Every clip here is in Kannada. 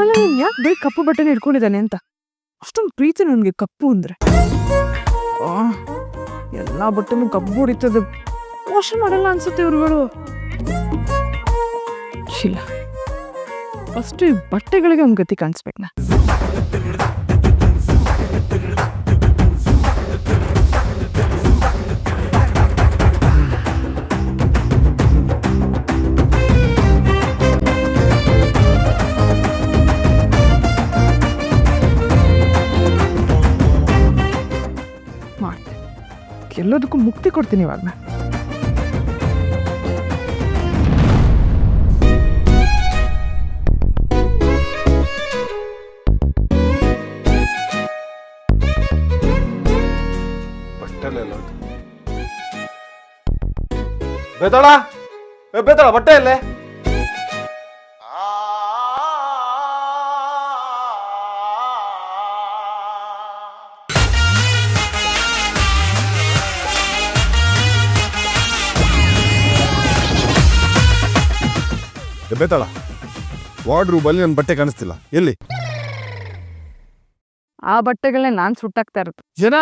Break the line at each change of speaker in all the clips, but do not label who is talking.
ಅಲ್ಲ ಯಾಕೆ ಬರೀ ಕಪ್ಪು ಬಟ್ಟೆನ ಇಟ್ಕೊಂಡಿದ್ದಾನೆ ಅಂತ ಅಷ್ಟೊಂದು ಪ್ರೀತಿ ನನಗೆ ಕಪ್ಪು ಅಂದ್ರೆ. ಎಲ್ಲ ಬಟ್ಟೆನೂ ಕಪ್ಪು ಹೊಡಿತದೆ, ವಾಶ್ ಮಾಡಲ್ಲ ಅನ್ಸುತ್ತೆ ಇವ್ರುಗಳು. ಇಲ್ಲ, ಫಸ್ಟ್ ಈ ಬಟ್ಟೆಗಳಿಗೆ ಒಂದು ಗತಿ ಕಾಣಿಸ್ಬೇಕು. ನಾ ಮಾಡ್ತೀನಿ, ಎಲ್ಲದಕ್ಕೂ ಮುಕ್ತಿ ಕೊಡ್ತೀನಿ ಇವಾಗ. ನಾ
ಬೇತಾಳ ಬೇತಾಳ ಬಟ್ಟೆ ಅಲ್ಲೇ. ಬೇತಾಳ ವಾರ್ಡ್ರೂಬಲ್ಲಿ ನನ್ನ ಬಟ್ಟೆ ಕಾಣಿಸ್ತಿಲ್ಲ, ಎಲ್ಲಿ?
ಆ ಬಟ್ಟೆಗಳನ್ನೇ ನಾನು ಸುಟ್ಟಾಕ್ತಾ ಇರೋದು.
ಜನ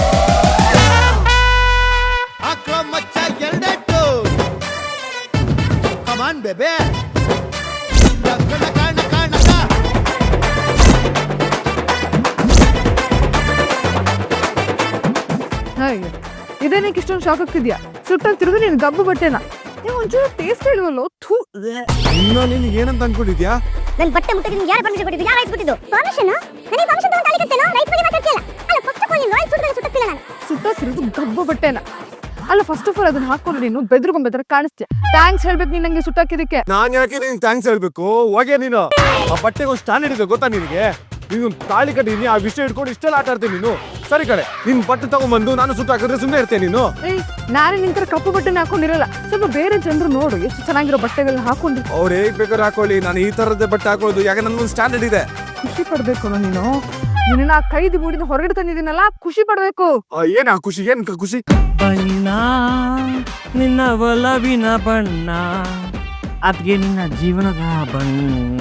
ಬೇಬೆ
ಇದೇನಕ್ಕೆ ಇಷ್ಟೊಂದು ಶಾಕ್ ಆಗ್ತಿದ್ಯಾ? ಸುಟ್ಟಾಗ್ತಿರೋದು ನೀನು ಗಬ್ಬು ಬಟ್ಟೆನ. ನೀವು ಒಂಚೂರು ಟೇಸ್ಟ್ ಹೇಳುವಲ್ಲೋ. ಥೂ,
ಇನ್ನ ನಿನಗೆ ಏನಂತ ಅನ್ಕೊಂಡಿದ್ಯಾ?
ನನ್ನ ಬಟ್ಟೆ ಮುಟ್ಟಿಗೆ ಯಾರು ಪರ್ಮಿಷನ್ ಕೊಟ್ಟಿದ್ದು? ಯಾರು ರೈಟ್ಸ್ ಕೊಟ್ಟಿದ್ದು? ಪರ್ಮಿಷನ್? ನನಗೆ ಪರ್ಮಿಷನ್ ತಗೊಂಡು ತಾಳಿಕತ್ತೇನೋ? ರೈಟ್ಸ್ ಬಗ್ಗೆ ಮಾತಾಡ್ತಿಲ್ಲ. ಅಲ್ಲ, ಫಸ್ಟ್ ಆಫ್ ಆಲ್ ನೀನು ರೈಟ್ಸ್ ಸುಟ್ಟಕ್ಕಿಲ್ಲ. ನಾನು
ಸುಟ್ಟಾಗ್ತಿರೋದು ಗಬ್ಬು ಬಟ್ಟೆನ. ಅಲ್ಲ, ಫಸ್ಟ್ ಆಫ್ ಆಲ್ ಅದನ್ನ ಹಾಕೊಂಡು ನೀನು ಬೆದ್ರಗೊಂಬೆದ್ರ ಕಾಣಿಸ್ತೀಯ. ಥ್ಯಾಂಕ್ಸ್ ಹೇಳ್ಬೇಕು ನೀನು ನಂಗೆ ಸುಟ್ಟಾಕಿದಕ್ಕೆ.
ನಾನ್ ಯಾಕೆ ನಿನ್ಗೆ ಥ್ಯಾಂಕ್ಸ್ ಹೇಳ್ಬೇಕು? ಹೋಗೆ ನೀನು. ಆ ಬಟ್ಟೆಗೆ ಒಂದು ಸ್ಟ್ಯಾಂಡರ್ಡ್ ಇದೆ ಗೊತ್ತಾ ನಿನಗೆ? ನೀನು ತಾಳಿ ಕಟ್ಟಿದೀನಿ, ಆ ವಿಷಯ ಇಟ್ಕೊಂಡು ಇಷ್ಟೆಲ್ಲ ಆಟ ಆಡ್ತೀನಿ ನೀನು. ಸರಿ ಕಡೆ, ನಿನ್ ಬಟ್ಟೆ ತಗೊಂಡ್ಬಂದು ನಾನು ಸುಟ್ಟು ಹಾಕಿದ್ರೆ ಸುಮ್ಮನೆ ಇರ್ತೇನೆ ನೀನು?
ನಾನೇ ನಿಂತರ ಕಪ್ಪು ಬಟ್ಟೆನ ಹಾಕೊಂಡಿರಲ್ಲ. ಸ್ವಲ್ಪ ಬೇರೆ ಜನರು ನೋಡು ಎಷ್ಟು ಚೆನ್ನಾಗಿರೋ ಬಟ್ಟೆಗಳನ್ನ ಹಾಕೊಂಡು.
ಅವ್ರು ಹೇಗ್ ಬೇಕಾದ್ರೆ ಹಾಕೊಳ್ಳಿ, ನಾನು ಈ ತರದ್ದೇ ಬಟ್ಟೆ ಹಾಕೊಳ್ಳೋದು. ಯಾಕೆ ನನ್ಗೊಂದು ಸ್ಟ್ಯಾಂಡರ್ಡ್ ಇದೆ.
ಖುಷಿ ಪಡ್ಬೇಕು ನೀನು. ನಿನ್ನ ಕೈದಿ ಬೂಡಿನ ಹೊರಗಡೆ ತಂದಿದ್ದೀನಲ್ಲ, ಖುಷಿ ಪಡ್ಬೇಕು.
ಏನ್ ಆ ಖುಷಿ? ಏನ್ ಖುಷಿ?
ಬಣ್ಣ ನಿನ್ನ ಒಲವಿನ ಬಣ್ಣ, ಅದ್ಗೆ ನಿನ್ನ ಜೀವನದ ಬಣ್ಣ.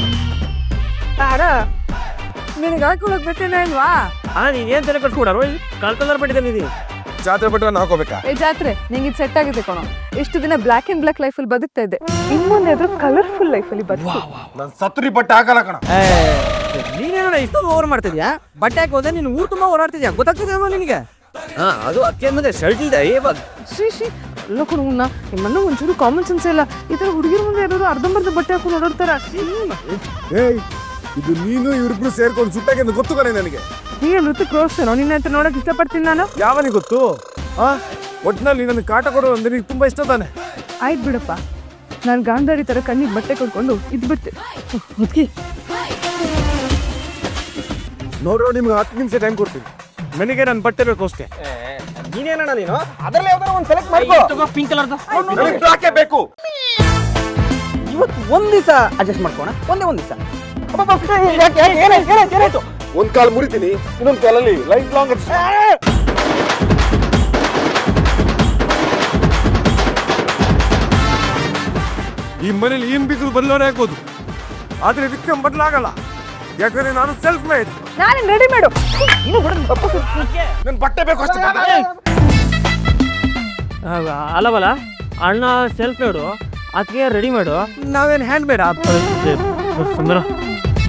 ನಿನಗೆ ಹಾಕೊಳಕ್ ಬಟ್ಟೆನ ಇಲ್ವಾ?
ನೀನೇನ್ ತಲೆ ಕಟ್ಕೊಡಾರೋ? ಕಲ್ಕಲರ್ ಬಟ್ಟಿದ್ದೀನಿ.
ಜಾತ್ರೆ ಬಟ್ಟೆ ಹಾಕೋಬೇಕಾ?
ಜಾತ್ರೆ ನಿಂಗೆ ಇದು ಸೆಟ್ ಆಗಿದೆ ಕಣೋ. ಇಷ್ಟು ದಿನ ಬ್ಲಾಕ್ ಅಂಡ್ ಬ್ಲಾಕ್ ಲೈಫಲ್ಲಿ ಬದುಕ್ತಾ ಇದ್ದೆ, ಇನ್ನೊಂದು ಎದುರು ಕಲರ್ಫುಲ್ ಲೈಫಲ್ಲಿ ಬದುಕು.
ನಾನು ಸತ್ರಿ ಬಟ್ಟೆ ಹಾಕಲ್ಲ ಕಣ.
ನೀನೇನ ಇಷ್ಟೊಂದು ಓವರ್ ಮಾಡ್ತಿದ್ಯಾ? ಬಟ್ಟೆ ಹಾಕೋದೆ ನೀನು ಊರು ತುಂಬಾ ಓಡಾಡ್ತಿದ್ಯಾ, ಗೊತ್ತಾಗ್ತಿದ್ಯಾ ನಿನಗೆ? ಅದು ಅಕ್ಕೆ ಮುಂದೆ ಶರ್ಟ್ ಇಲ್ದೆ ಇವಾಗ
ಶ್ರೀ ಎಲ್ಲ ಕೊಡುವನ್ನ ನಿಮ್ಮನ್ನ ಒಂಚೂರು ಕಾಮನ್ ಸೆನ್ಸ್ ಇಲ್ಲ. ಈ ತರ ಹುಡುಗಿರ ಮುಂದೆ ಯಾರು ಅರ್ಧಂಬರ್ಧ ಬಟ್ಟೆ ಹಾಕೊಂಡು ಓಡಾಡ್ತಾರ.
ಏಯ್, ಇದು ನೀನು ಇವ್ರಿಬ್ರು ಸೇರ್ಕೊಂಡು ಸುಟ್ಟಾಗೆ ಗೊತ್ತು ಕಣೆ ನನಗೆ.
ನೀನು ನೃತ್ಯ ಕ್ರೋಸ್ತೇನೋ? ನಿನ್ನ ಹತ್ರ ನೋಡಕ್ ಇಷ್ಟಪಡ್ತೀನಿ ನಾನು.
ಯಾವನಿಗೆ ಗೊತ್ತು? ಒಟ್ಟಿನಲ್ಲಿ ನನಗೆ ಕಾಟ ಕೊಡೋದು ಅಂದ್ರೆ ನಿನಗೆ ತುಂಬಾ ಇಷ್ಟ ತಾನೆ?
ಆಯ್ತು ಬಿಡಪ್ಪ, ನಾನು ಗಾಂಧಾರಿ ತರ ಕಣ್ಣಿಗೆ ಬಟ್ಟೆ ಕೊಡ್ಕೊಂಡು ಇದು ಬಿಟ್ಟೆ.
ನೋಡ್ರೋ, ನಿಮ್ಗೆ 10 ನಿಮಿಷ ಟೈಮ್ ಕೊಡ್ತೀನಿ. ನನಗೆ ನನ್ನ ಬಟ್ಟೆ ಬೇಕು ಅಷ್ಟೇ.
ನೀನೇನಣ್ಣ ನೀನು ಅದರಲ್ಲಿ ಯಾವ್ದಾರ ಒಂದು ಸೆಲೆಕ್ಟ್ ಮಾಡ್ಕೋ. ಪಿಂಕ್ ಕಲರ್
ಬ್ಲಾಕ್ ಬೇಕು.
ಇವತ್ತು ಒಂದ್ ದಿವಸ ಅಡ್ಜಸ್ಟ್ ಮಾಡ್ಕೋಣ. ಒಂದೇ ಒಂದ್ ದಿವಸ.
ಒಂದ್ ಕಾಲ್ ಮುರಿತೀನಿ, ಇನ್ನೊಂದ್ ಕಾಲಲ್ಲಿ ಲೈಫ್ ಲಾಂಗ್. ಈ ಮನೇಲಿ ಏನ್ ಬೇಕು ಬದಲಾವಣೆ ಆಗ್ಬೋದು, ಆದ್ರೆ ಇದಕ್ಕೆ ಬದಲಾಗಲ್ಲ. ಯಾಕಂದ್ರೆ ನಾನು ಸೆಲ್ಫ್ ಮೇಡ್.
ನಾನು ರೆಡಿ ಮಾಡು.
ನನ್ ಬಟ್ಟೆ ಬೇಕು ಅಷ್ಟೇ.
ಅಲ್ಲವಲ್ಲ, ಅಣ್ಣ ಸೆಲ್ಫ್ ಮಾಡು, ಅದಕ್ಕೆ ರೆಡಿ ಮಾಡು. ನಾವೇನು ಹ್ಯಾಂಡ್ ಮೇಡ್ ಸುಂದರ.